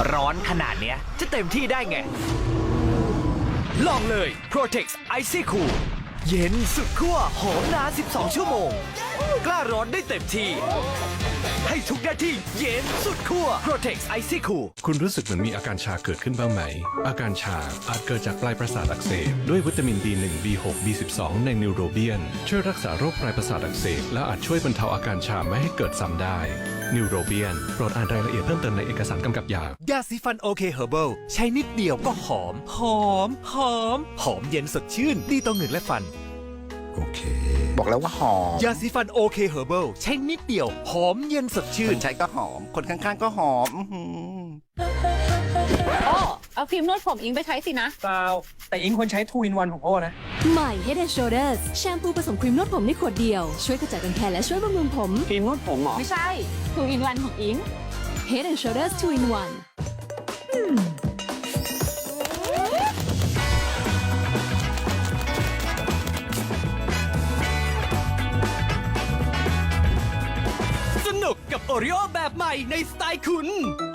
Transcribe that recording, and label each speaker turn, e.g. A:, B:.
A: ร้อนขนาดเนี้ยจะเต็มที่ได้ไง ลองเลย Protex Icy Cool เย็นสุดขั้วหอมนาน12 ชั่วโมง กล้าร้อนได้เต็มที่ ให้ทุกหน้าที่เย็นสุดขั้ว Protex Icy Cool
B: คุณรู้สึกเหมือนมีอาการชาเกิดขึ้นบ้างไหม อาการชาอาจเกิดจากปลายประสาทอักเสบด้วยวิตามิน B1 B6 B12 ในนิวโรเบียนช่วยรักษาโรคปลายประสาทอักเสบและอาจช่วยบรรเทาอาการชาไม่ให้เกิดซ้ำได้นิวโรเบียนโปรดอ่านรายละเอียดเพิ่มเติมในเอกสารกำกับยา
C: ยาสีฟันโอเคเฮอร์เบิลใช้นิดเดียวก็หอม หอมเย็นสดชื่น ดีต่อเหงือกและฟัน
D: โอเค บอกแล้วว่าหอม
C: ยาสีฟันโอเคเฮอร์เบิลใช้นิดเดียว หอมเย็นสดชื่
D: คน นใช้ก็หอม คนข้างๆก็หอม อื้อหือ
E: โอ้เอาครีมนวดผมอิงไปใช้สินะ
F: เปล่าแต่อิงควรใช้2 in 1ของโอ้นะ
G: ใหม่ Head and Shoulders แชมพูผสมครีมนวดผมในขวดเดียว ช่วยกระจัดรังแคและช่วยบำรุงผม
F: ครีมนวดผมเหรอ
E: ไม่ใช่2 in 1ของอิง
G: Head and Shoulders 2 in 1
A: สนุกกับโอริโอแบบใหม่ในสไตล์คุณ